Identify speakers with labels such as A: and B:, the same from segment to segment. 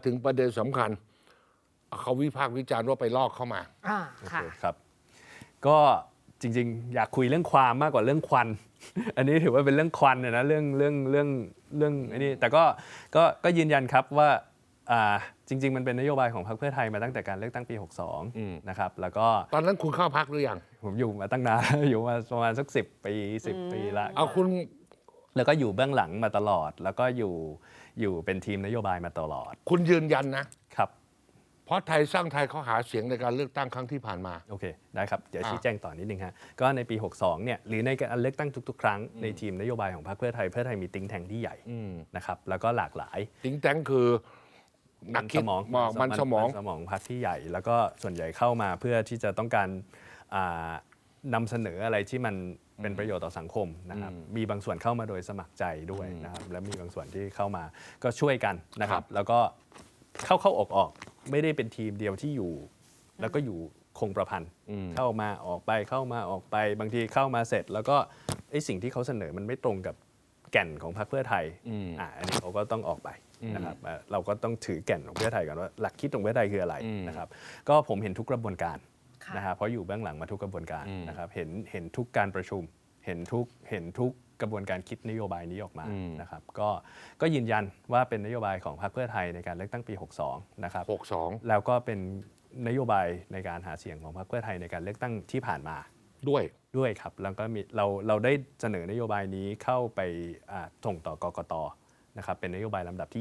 A: ถึงประเด็นสำคัญเขาวิพากษ์วิจารณ์ว่าไปลอกเข้ามา
B: ค่ะ
C: ครับก็จริงๆ อยากคุยเรื่องความมากกว่าเรื่องควัน อันนี้ถือว่าเป็นเรื่องควันนะเรื่องอันนี้แต่ก็ยืนยันครับว่าจริงๆมันเป็นนโยบายของพรรคเพื่อไทยมาตั้งแต่การเลือกตั้งปี 62 นะครับแล้วก็
A: ตอนนั้นคุณเข้าพักหรือยัง
C: ผมอยู่มาตั้งนาน อยู่มาประมาณสัก10 ปี10 ปีละ
A: เอาคุณ
C: แล้วก็อยู่เบื้องหลังมาตลอด แล้วก็อยู่เป็นทีมนโยบายมาตลอด
A: คุณยืนยันนะครับ เพราะไทยสร้างไทยเขาหาเสียงในการเลือกตั้งครั้งที่ผ่านมา
C: โอเคได้ครับเดี๋ยวชี้แจงต่อนิดนึงฮะก็ในปี 62 เนี่ยหรือในการเลือกตั้งทุกๆ ครั้งในทีมนโยบายของพรรคเพื่อไทยมีติ้งแทงที่ใหญ่นะครับแล้วก็หลากหลาย
A: ติ้งแตงคือนักคิดมันสมอง
C: พรรคที่ใหญ่ แล้วก็ส่วนใหญ่เข้ามาเพื่อที่จะต้องการนำเสนออะไรที่มันเป็นประโยชน์ต่อสังคมนะครับมีบางส่วนเข้ามาโดยสมัครใจด้วยนะครับและมีบางส่วนที่เข้ามาก็ช่วยกันนะครับแล้วก็เข้าออกไม่ได้เป็นทีมเดียวที่อยู่แล้วก็อยู่คงประพันธ์เข้ามาออกไปเข้ามาออกไปบางทีเข้ามาเสร็จ แล้วก็สิ่งที่เขาเสนอมันไม่ตรงกับแก่นของพรรคเพื่อไทยอันนี้เขาก็ต้องออกไปนะครับเราก็ต้องถือแก่นของเพื่อไทยก่อนว่าหลักคิดของเพื่อไทยคืออะไรนะครับก็ผมเห็นทุกกระบวนการนะครับเพราะอยู่เบื้องหลังมาทุกกระบวนการนะครับเห็นทุกการประชุมเห็นทุกกระบวนการคิดนโยบายนี้ออกมานะครับก็ยืนยันว่าเป็นนโยบายของพรรคเพื่อไทยในการเลือกตั้งปี 62 นะครับ 62 แล้วก็เป็นนโยบายในการหาเสียงของพรรคเพื่อไทยในการเลือกตั้งที่ผ่านมาด้วยครับแล้วก็มีเราได้เสนอนโยบายนี้เข้าไปส่งต่อกกต.นะครับเป็นนโยบายลำดับที่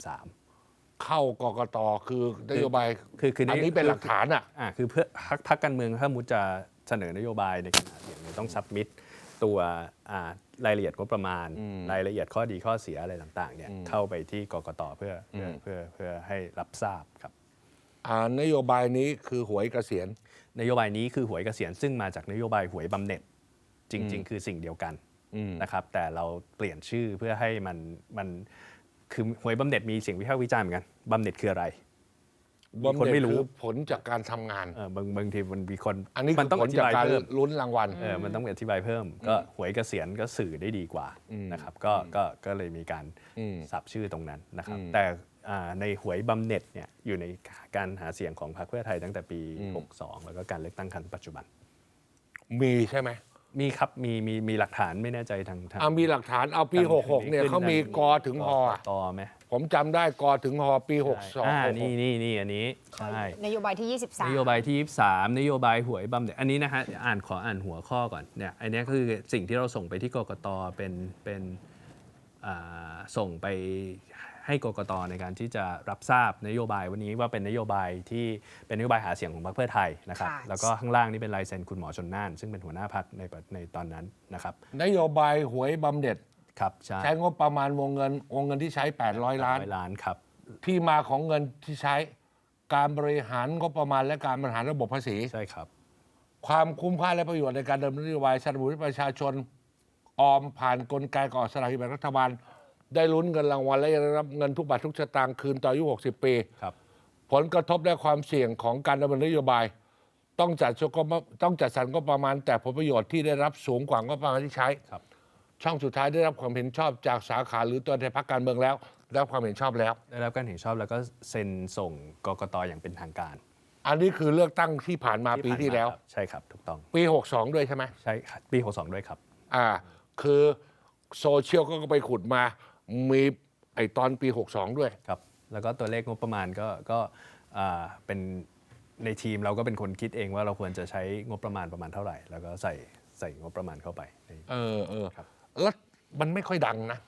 C: 23
A: เข้ากกต.คือนโยบายอันนี้เป็นหลักฐาน
C: คือเพื่อพรรคการเมืองถ้ามุจะเสนอนโยบายในการหาเสียงต้องซับมิตตัวรายละเอียดงบประมาณรายละเอียดข้อดีข้อเสียอะไรต่างๆเนี่ยเข้าไปที่กกต.เพื่อให้รับทราบครับ
A: นโยบายนี้คือหวยเกษียณ
C: นโยบายนี้คือหวยเกษียณซึ่งมาจากนโยบายหวยบำเหน็จจริงๆคือสิ่งเดียวกันนะครับแต่เราเปลี่ยนชื่อเพื่อให้มันคือหวยบำเหน็จมีเสียงวิพากษ์วิจารณ์เหมือนกันบำเหน็จคืออะไร
A: บำเหน็จคือผลจากการทำงาน
C: บางทีมันมีคน
A: อันนี้คือผลจากการลุ้นรางวัล
C: มันต้องอธิบายเพิ่มก็หวยเกษียณก็สื่อได้ดีกว่านะครับก็เลยมีการสับชื่อตรงนั้นนะครับแต่ในหวยบำเหน็จเนี่ยอยู่ในการหาเสียงของพรรคเพื่อไทยตั้งแต่ปี 62 แล้วก็การเลือกตั้งครั้งปัจจุบัน
A: มีใช่ไหม
C: มีครับมีหลักฐานไม่แน่ใจทาง
A: มีหลักฐานเอาปี 66 เนี่ยเขามีกถึงห
C: ต่อไหม
A: ผมจำได้กถึงหปี 62
C: นี่อันนี้ใช่
B: นโยบายที่ 23
C: นโยบายที่ 23นโยบายหวยบำเหน็จอันนี้นะฮะขออ่านหัวข้อก่อนเนี่ยอันนี้คือสิ่งที่เราส่งไปที่กกตเป็นส่งไปให้กกต.ในการที่จะรับทราบนโยบายวันนี้ว่าเป็นนโยบายที่เป็นนโยบายหาเสียงของพรรคเพื่อไทยนะครับแล้วก็ข้างล่างนี่เป็นลายเซ็นคุณหมอชลน่านซึ่งเป็นหัวหน้าพรรคในตอนนั้นนะครับ
A: นโยบายหวยบำเหน็จ
C: ครับ
A: ใช้งบประมาณวงเงินที่ใช้800 ล้าน
C: ครับ
A: ที่มาของเงินที่ใช้การบริหารงบประมาณและการบริหารระบบภาษี
C: ใช่ครับ
A: ความคุ้มค่าและประโยชน์ในการดำเนินนโยบายสนับสนุนให้ประชาชนออมผ่านกลไกก่อสลากกินแบ่งรัฐบาลได้ลุ้นเงินรางวัลและได้รับเงินทุกบาททุกสตางค์คืนต่ออายุ60 ปีผลกระทบและความเสี่ยงของการดำเนินนโยบายต้องจัดสรรงบประมาณแต่ผลประโยชน์ที่ได้รับสูงกว่างบประมาณที่ใช้ช่องสุดท้ายได้รับความเห็นชอบจากสาขาหรือตัวแทนพรรคการเมืองแล้วได้รับความเห็นชอบแล้ว
C: ได้รับการเห็นชอบแล้วก็เซ็นส่งกกต.อย่างเป็นทางการ
A: อันนี้คือเลือกตั้งที่ผ่านมาปีที่แล้ว
C: ใช่ครับถูกต้อง
A: ปี 62 ด้วยใช่ไหม
C: ใช่ปี 62 ด้วยครับ
A: คือโซเชียลก็ไปขุดมามีตอนปี 62 ด้วย
C: ครับแล้วก็ตัวเลขงบประมาณก็เป็นในทีมเราก็เป็นคนคิดเองว่าเราควรจะใช้งบประมาณเท่าไหร่แล้วก็ใส่งบประมาณเข้าไป
A: ครับแล้วมันไม่ค่อยดังนะ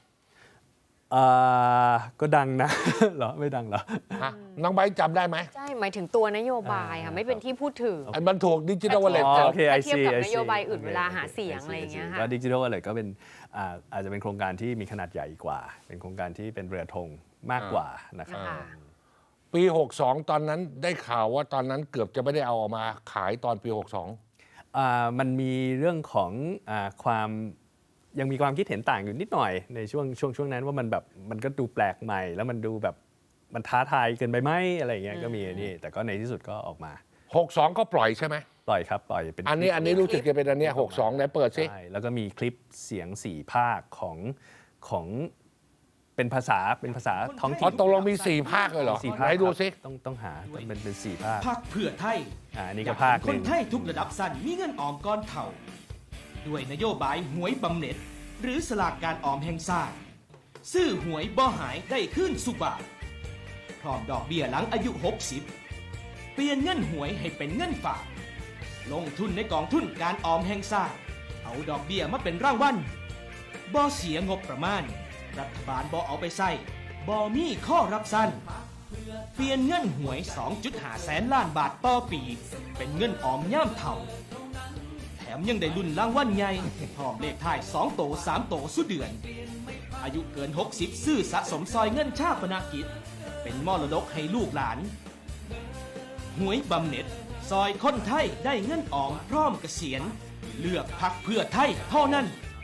C: ก็ดังนะเหรอไม่ดังเหรอ
A: น้องใบจำได้ไหม
B: ใช่หมายถึงตัวนโยบายค่ะไม่เป็นที่พูดถึง
A: มันถูกดิจิทัลวอลเล็ต
B: เทียบกับนโยบายอื่นเวลาหาเสียงอะไรอย่างเงี้ยค่ะ
C: ก็ดิจิทัลวอลเล็ตก็เป็นอาจจะเป็นโครงการที่มีขนาดใหญ่กว่าเป็นโครงการที่เป็นเรือธงมากกว่านะครับ
A: ปี 62 ตอนนั้นได้ข่าวว่าตอนนั้นเกือบจะไม่ได้เอาออกมาขายตอนปี 62
C: มันมีเรื่องของความยังมีความคิดเห็นต่างอยู่นิดหน่อยในช่วงนั้นว่ามันก็ดูแปลกใหม่แล้วมันดูแบบมันท้าทายเกินไปไหมอะไรอย่างเงี้ยก็มีนี่แต่ก็ในที่สุดก็ออกมา
A: 62ก็ปล่อยใช่ไหม
C: ปล่อยครับปล่อยเป็น
A: อันนี้รู้สึกจะเป็นอันนี้62ไหนเปิดสิ
C: ใช่แล้วก็มีคลิปเสียง4 ภาคของเป็นภาษาท้อง
A: อ๋
C: ถิ่
A: อน ตกลงมี4ภาคเลยเหรอ
C: สี่ภาค
A: ไหนดูสิ
C: ต้องหาเป็น4 ภาค
D: พรรคเพื่อไทย
C: อันนี้ก็
D: อยาก
C: ภาค
D: เห็น
C: ห
D: ค
C: นึ่
D: น
C: ง
D: ไทยทุกระดับสั้นมีเงินออมก้อนเท่า ด้วยนโยบายหวยบำเหน็จ หรือสลากการออมแห่งชาติซื้อหวยบ่หายได้ขึ้นสุบาทพร้อมดอกเบี้ยหลังอายุ 60 เปลี่ยนเงินหวยให้เป็นเงินฝาก ลงทุนในกองทุนการออมแห่งชาติเอาดอกเบี้ยมาเป็นรางวัลบ่เสียงบประมาณ รัฐบาลบ่เอาไปใส่บ่มีข้อรับสั้น เปลี่ยนเงินหวย 2.5 แสนล้านบาทต่อปี เป็นเงินออมย่ามเท่า แถมยังได้ลุ้นรางวัลใหญ่พร้อมเลขท้าย2โต3โตสุดเดือน อายุเกิน 60 ซื้อสะสมซอยเงินชาปนกิจ เป็นมรดกให้ลูกหลาน หวยบำเหน็จ ซอยคนไทยได้เงินออมพร้อมเกษียณ เลือกพรรคเพื่อไทยเท่านั้น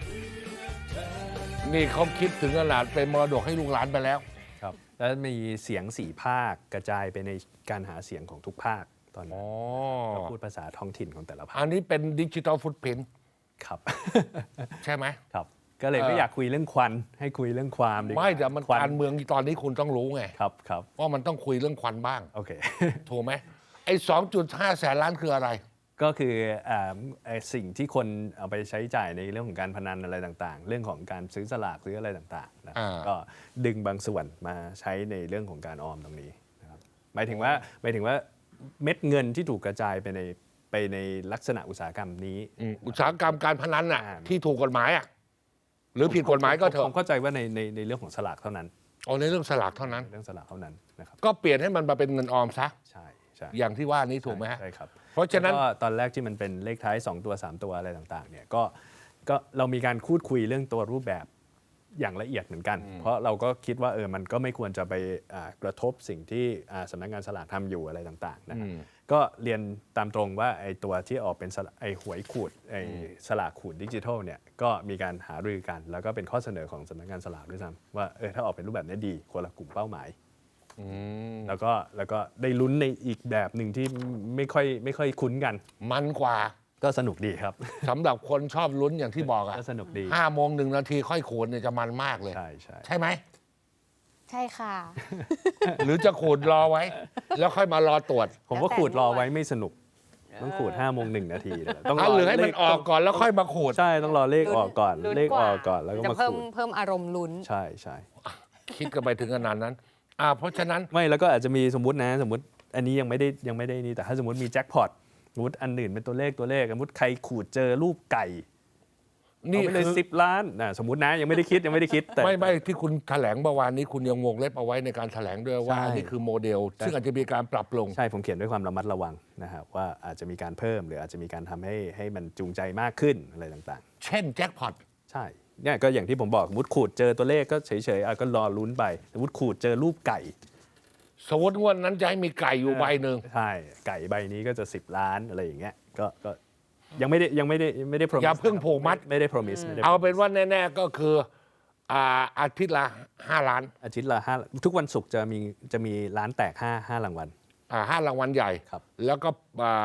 A: นี่เขาคิดถึงขนาดเป็นมรดกให้ลูกหลานไปแล้ว
C: ครับแล้วมีเสียง4 ภาคกระจายไปในการหาเสียงของทุกภาคตอนนี้
A: อ๋อ
C: ก็พูดภาษาท้องถิ่นของแต่ละภา
A: อั
C: คน
A: นี้เป็นดิจิ t a ลฟุตพิ้น
C: ครับ
A: ใช่ไหม
C: ครับ ก็เลยไม่อยากคุยเรื่องควันให้คุยเรื่องความดีกว่า
A: ไม่แต่มัน
C: ควัน
A: การเมืองตอนนี้คุณต้องรู้ไง
C: ครับครับ
A: ว่ามันต้องคุยเรื่องควันบ้าง
C: โอเค
A: ถูกไหมไอ้ 2.5 แสนล้านคืออะไร
C: ก็คือสิ่งที่คนเอาไปใช้จ่ายในเรื่องของการพนันอะไรต่างๆ เรื่องของการซื้อสลากซื้ออะไรต่างๆนะ
A: อ่า
C: ก็ดึงบางส่วนมาใช้ในเรื่องของการออมตรงนี้นะครับหมายถึงว่าเม็ดเงินที่ถูกกระจายไปในลักษณะอุตสาหกรรมนี้
A: อุตสาหกรรมการพนันน่ะ
C: อ่า
A: ที่ถูกกฎหมายอ่ะหรือผิดกฎหมายก็เถ
C: ผม
A: อะ
C: เข้าใจว่าในเรื่องของสลากเท่านั้น
A: เอาในเรื่องสลากเท่านั้น
C: เรื่องสลากเท่านั้นนะครับ
A: ก็เปลี่ยนให้มันมาเป็นเงินออมซะ
C: ใช่ใช่
A: อย่างที่ว่านี้ถูกไหมฮะ
C: ใช่ครับ
A: เพราะฉะนั้น
C: แล้วก็ตอนแรกที่มันเป็นเลขท้าย2ตัว3ตัวอะไรต่างๆเนี่ยก็เรามีการพูดคุยเรื่องตัวรูปแบบอย่างละเอียดเหมือนกัน เพราะเราก็คิดว่ามันก็ไม่ควรจะไปกระทบสิ่งที่สำนักงานสลากทำอยู่อะไรต่างๆนะครับก็เรียนตามตรงว่าไอ้ตัวที่ออกเป็นไอ้หวยขูดไอ้สลากขูดดิจิทัลเนี่ยก็มีการหารือกัน แล้วก็เป็นข้อเสนอของสำนักงานสลากด้วยซ้ำว่าถ้าออกเป็นรูปแบบนี้ดีคนละกลุ่มเป้าหมายแล้วก็ได้ลุ้นในอีกแบบหนึ่งที่ไม่ค่อยคุ้นกัน
A: มันกว่า
C: ก็สนุกดีครับ
A: สำหรับคนชอบลุ้นอย่างที่บอกอ่ะ
C: ก็สนุกดี
A: 5 โมง 1 นาทีค่อยขูดเนี่ยจะมันมากเลย
C: ใช่ใช่
A: ใช่ไหม
B: ใช่ค่ะ
A: หรือจะขูดรอไว้ แล้วค่อยมารอตรวจ
C: ผมว่าขูดรอไว้ไม่สนุก ต้องขูด5 โมง 1 นาทีเลยต้อง
A: หรือให้มันออกก่อนแล้วค่อยมาขูด
C: ใช่ต้องรอเลขออกก่อน
B: ลุ้น
C: เลข
B: กว่า
C: ออกก่อนแล้วก็
B: จะ
C: มา
B: เพิ่
C: ขู
B: ม
C: ด
B: เพิ่มอารมณ์ลุ้น
C: ใช่ใช่
A: คิดกันไปถึงขนาดนั้น เพราะฉะนั้น
C: ไม่แล้วก็อาจจะมีสมมติอันนี้ยังไม่ได้นี่แต่ถ้าสมมติมีแจ็คพอตสมมติอันอื่นเป็นตัวเลขสมมติใครขูดเจอรูปไก่เอา
A: นี่
C: ไปเลย
A: คือ
C: 10 ล้านสมมตินะยังไม่ได้คิดแต่
A: ไม่ที่คุณแถลงเมื่อวานนี้คุณยังวงเล็บเอาไว้ในการแถลงด้วยว่า
C: ใช่
A: อันนี้คือโมเดล ซึ่งอาจจะมีการปรับลง
C: ใช่ผมเขียนด้วยความระมัดระวังนะครับว่าอาจจะมีการเพิ่มหรืออาจจะมีการทำให้มันจูงใจมากขึ้นอะไรต่างๆ
A: เช่นแจ็คพอต
C: ใช่เนี่ยก็อย่างที่ผมบอกสมมติขูดเจอตัวเลขก็เฉยๆก็รอลุ้นไปสมมติขูดเจอรูปไก่
A: สมมติงวดนั้นจะให้มีไก่อยู่ใบหนึ่ง
C: ใช่ไก่ใบนี้ก็จะ10 ล้านอะไรอย่างเงี้ยก็ยังไม่ได้ promise
A: อย่าเพิ่งผูกมัด
C: ไม่ได้ promise ไม่ได้
A: เอาเป็นว่าแน่ๆก็คืออาทิตย์ละ5 ล้าน
C: อาทิตย์ละ5ทุกวันศุกร์จะมีร้านแตก5รางวัล
A: 5 รางวัลใหญ่
C: ครับ
A: แล้วก็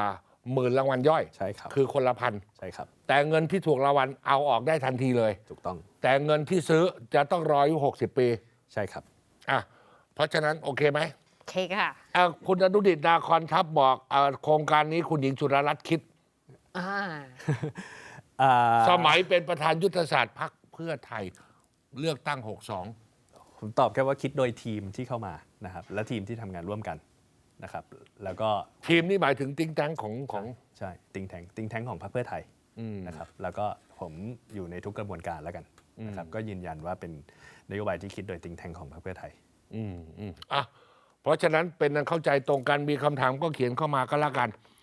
A: 10,000 รางวัลย่อย
C: ใช่ครับ
A: คือคนละพัน
C: ใช่ครับ
A: แต่เงินที่ถูกรางวัลเอาออกได้ทันทีเลย
C: ถูกต้อง
A: แต่เงินที่ซื้อจะต้องรออายุ60 ปี
C: ใช่ครับ
A: เพราะฉะนั้นโอเคไหม
B: เคค่ะ
A: คุณอนุดิตนาคอนทัพบอกโครงการนี้คุณหญิงสุดารัตน์คิด สมัยเป็นประธานยุทธศาสตร์พรรคเพื่อไทยเลือกตั้ง 62
C: ผมตอบแค่ว่าคิดโดยทีมที่เข้ามานะครับและทีมที่ทำงานร่วมกันนะครับแล้วก็
A: ทีมนี่หมายถึงติ้งแตงของ
C: ใช่ติงแทงของพรรคเพื่อไทยนะครับแล้วก็ผมอยู่ในทุกกระบวนการแล้วกันนะครับก็ยืนยันว่าเป็นนโยบายที่คิดโดยติงแทงของพรรคเพื่อไทย
A: เพราะฉะนั้นเป็นอันเข้าใจตรงกันมีคำถามก็เขียนเข้ามาก็แล้วกัน